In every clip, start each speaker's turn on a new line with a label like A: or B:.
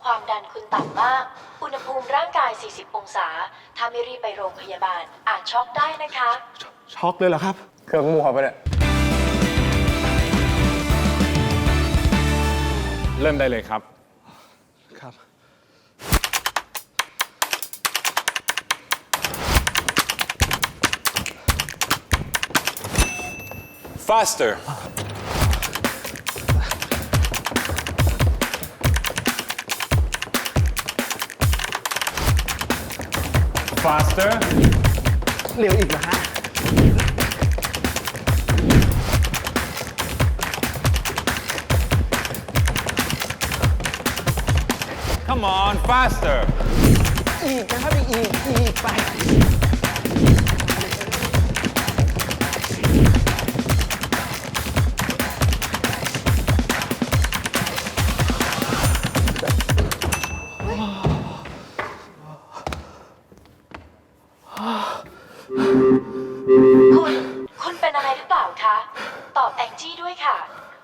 A: ความดันคุณต่ำมาก อุณหภูมิร่างกาย 40 องศา ถ้าไม่รีบไปโรงพยาบาลอาจช็อกได้นะคะ
B: ช็อกเลยเหรอครับ
C: เครื่องมั่วไปเนี่ย
D: เริ่มได้เลยครับ
B: ครับ
D: faster faster
B: เร็วอีกนะฮะ
D: come on faster
B: อีกนะครับอีกไป
A: คุณเป็นอะไรหรือเปล่าคะ ตอบแองจี้ด้วยค่ะ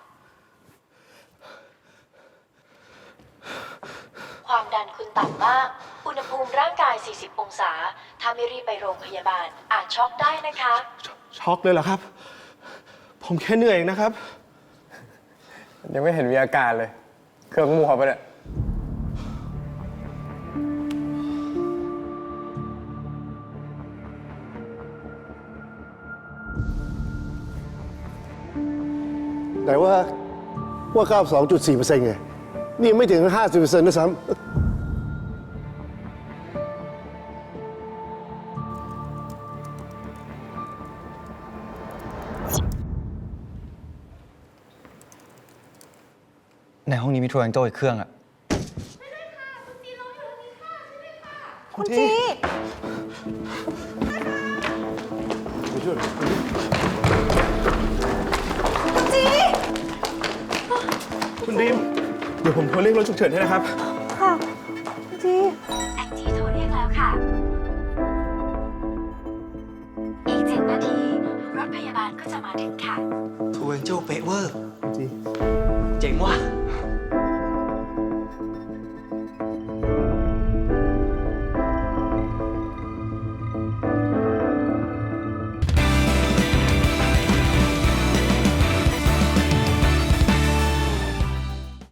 A: ความดันคุณต่ำมาก อุณหภูมิร่างกาย 40 องศา ถ้าไม่รีบไปโรงพยาบาลอาจช็อกได้นะคะ
B: ช็อกเลยเหรอครับ ผมแค่เหนื่อยเองนะครับ
C: ยังไม่เห็นมีอาการเลย เครื่องมั่วไปเนี่ย
E: ไหนว่า 92.4%ไง นี่ยังไม่ถึง 50%ด้วยซ้ำ
F: ในห้องนี้มีโทรศัพท์โจ้อีกเครื่องอะ
G: คุณจี คุณจี
B: คุณดีม เดี๋ยวผมโทรเรียกรถฉุกเฉินให้นะครับ
G: ค่ะ คุณจี
A: แองจี้โทรเรียกแล้วค่ะ อีก 7 นาที รถพยาบาลก็จะมาถึงค่ะ
F: โทรศัพท์โจ้เป๊ะเวอร์
B: จริง
F: เจ๋งว่ะ